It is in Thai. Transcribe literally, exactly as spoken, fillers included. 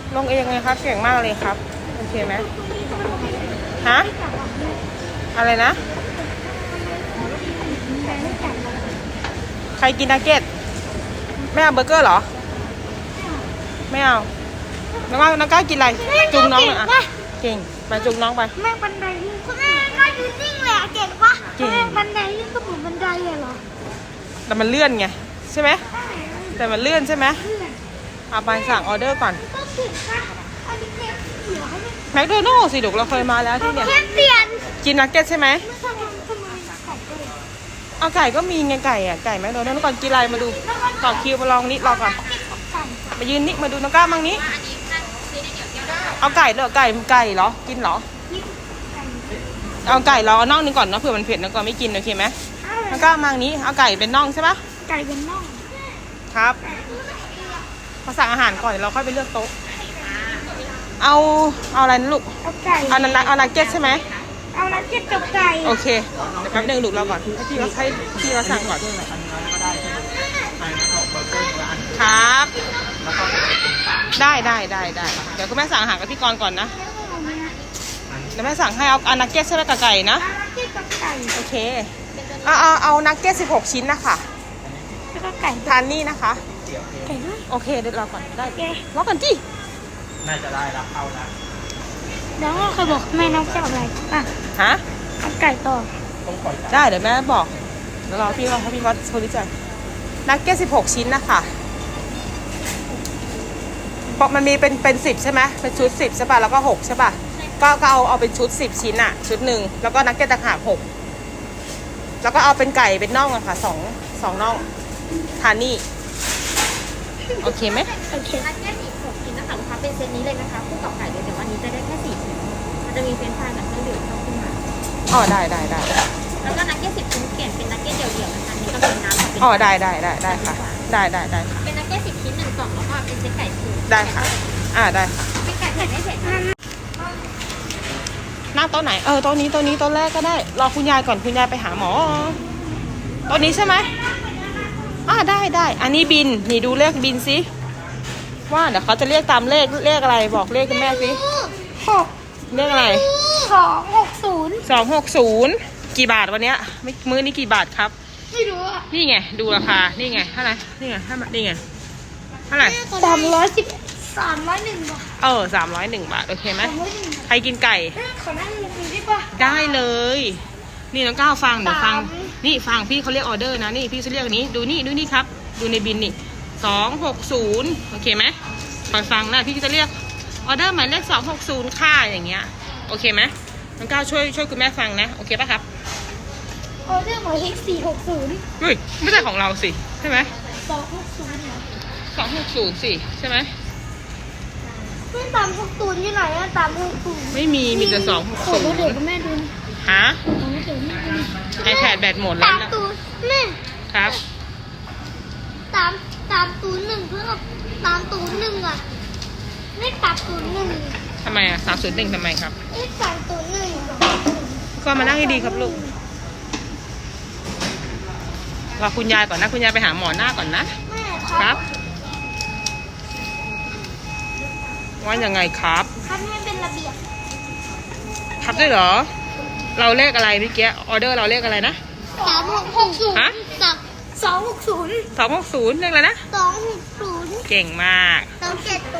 ลงเองเลยครับเก่งมากเลยครับโอเคไหมฮะอะไรนะใครกินนักเก็ตไม่เอาเบอร์เกอร์เหรอไม่เอาน้องก้าวน้องก้าวกินอะไรจุงน้องหน่อยอ่ะเก่งไปจุงน้องไปแม่บันไดลื่นคุณแม่ก็ยืนนิ่งเลยอะเก่งปะแม่บันไดลื่นก็เหมือนบันไดเลยเหรอแต่มันเลื่อนไงใช่ไหมแต่มันเลื่อนใช่ไหมเอาไปสั่งออเดอร์ก่อนก็เก่งปะอันนี้เค้กเสียให้แมคโดนัลด์สิลูกเราเคยมาแล้วที่เนี่ยเค้กเปลี่ยนกินนักเก็ตใช่ไหมทำไมทำไมไก่ด้วยเอาไก่ก็มีไงไก่อ่ะไก่แมคโดนัลด์ก่อนกินอะไรมาดูต่อคิวมาลองนิดรอก่อนมายืนนิดมาดูน้องก้าวมั่งนี้เอาไก่เหรอไก่ไก่เหรอกินเหรอเอาไก่รอเอาน่องนึงก่อนนะเผื่อมันเผ็ดนะก่อนไม่กินโอเคไหมน้องก้าวมั่งนี้เอาไก่เป็นน่องใช่ปะไก่เป็นน่องครับมาสั่งอาหารก่อนเราค่อยไปเลือกโต๊ะเอาเอาอะไรนะลูกเอาไก่เอานักเอานักเก็ตใช่ไหมเอานักเก็ตกับไก่โอเคเดี๋ยวแป๊บนึงลูกเราก่อนให้พี่เราให้พี่เราสั่งก่อนครับได้ได้ได้ได้เดี๋ยวคุณแม่สั่งอาหารกับพี่กรณ์ก่อนนะเดี๋ยวแม่สั่งให้เอาเอานักเก็ตใช่ไหมกับไก่นะนักเก็ตกับไก่โอเคเอาเอาเอานักเก็ตสิบหกชิ้นนะคะแล้วก็ไก่ทานนี่นะคะไก่ด้วยโอเคเดี๋ยวรอก่อนได้รอก่อนจีน่าจะได้แล้วเข้าแล้วเดี๋ยวเคยบอกแม่น้องจะเอาอะไรอ่ะฮะเอาไก่ต่อได้เดี๋ยวแม่บอกแล้วรอพี่เขาพี่วัดโพลิจัยนักเก็ตสิบหกชิ้นนะคะบอกมันมีเป็นเป็นสิบใช่ไหมเป็นชุดสิบใช่ป่ะแล้วก็หกใช่ป่ะก็ก็เอาเอาเป็นชุดสิบชิ้นอ่ะชุดหนึ่งแล้วก็นักเก็ตต่างหากหกแล้วก็เอาเป็นไก่เป็นน่องอะค่ะสองสองน่องทานนี่โอเคไหมโอเคนักเก็ตอีกหกชิ้นนะคะลูกค้าเป็นเซตนี้เลยนะคะคู่กับไก่เลยเดี๋ยววันนี้จะได้แค่สี่ชิ้นมันจะมีเฟรนช์ฟรายกับเครื่องดื่มเข้าขึ้นมาอ๋อได้ได้ได้แล้วก็นักเก็ตสิบชิ้นเปลี่ยนเป็นนักเก็ตเดี่ยวๆนะคะนี่ก็เป็นน้ำกับเป็นอ๋อได้ได้ได้ได้ค่ะได้ได้ได้ค่ะเป็นนักเก็ตสิบชิ้นหนึ่งกล่องแล้วก็เป็นเซตไก่สูตรได้ค่ะอ่าได้ค่ะเป็นไก่เผ็ดไม่เผ็ดนั่งโต๊ะไหนเออโต๊ะนี้โต๊ะนี้โต๊ะแรกก็ได้รอคุณยายก่อนคุณยายไปหาหมอโต๊ะนี้ใช่ไหมอ่าได้ได้อันนี้บินนี่ดูเลขบินสิว่าเดี๋ยวเขาจะเรียกตามเลขเลขอะไรบอกเลขคุณแม่สิหกเลขอะไรสองหกศูนย์สองหกศูนย์กี่บาทวันเนี้ยไม่มื้อนี้กี่บาทครับไม่รู้อ่ะนี่ไงดูราคานี่ไงเท่าไหร่นี่ไงเท่าไหร่นี่ไงเท่าไหร่สามร้อยสิบสามร้อยหนึ่งบาทเออสามร้อยหนึ่งบาทโอเคไหมใครกินไก่ขอนั่งดูได้ปะได้เลยนี่น้องก้าวฟังเดี๋ยวฟังนี่ฟังพี่เขาเรียกออเดอร์นะนี่พี่จะเรียกอันนี้ดูนี่ดูนี่ครับดูในบินนี่สองหกศูนย์โอเคไหมฟังฟังนะพี่จะเรียกออเดอร์หมายเลขสองหกศูนย์ค่าอย่างเงี้ยโอเคไหมน้องก้าวช่วยช่วยคุณแม่ฟังนะโอเคป่ะครับออเดอร์หมายเลขสี่หกศูนย์เฮ้ยไม่ใช่ของเราสิใช่ไหมสองหกศูนย์สองหกศูนย์สิใช่ไหมไม่ตามหกศูนย์ที่ไหนอะตามหกศูนย์ไม่มีมีแต่สองหกศูนย์เดี๋ยวแม่ดูฮะไอแพดแบตหมดแล้วนะตามศูนย์แม่ครับตามตามศูนย์หนึ่งเพื่อตามศูนย์หนึ่งอะเลขสามศูนย์หนึ่งทำไมอะสามศูนย์หนึ่งทำไมครับเลขสามศูนย์หนึ่งก็มานั่งให้ดีครับลูกรอคุณยายก่อนนะคุณยายไปหาหมอหน้าก่อนนะแม่ครับว่ายังไงครับทำให้เป็นระเบียบครับด้วยเหรอเราเลขอะไรเมื่อกี้ออเดอร์เราเลขอะไรนะสามหกหกศูนย์ฮะสองหกศูนย์สองหกศูนย์เลขอะไรนะสองหกศูนย์เก่งมากสองเจ็ดศู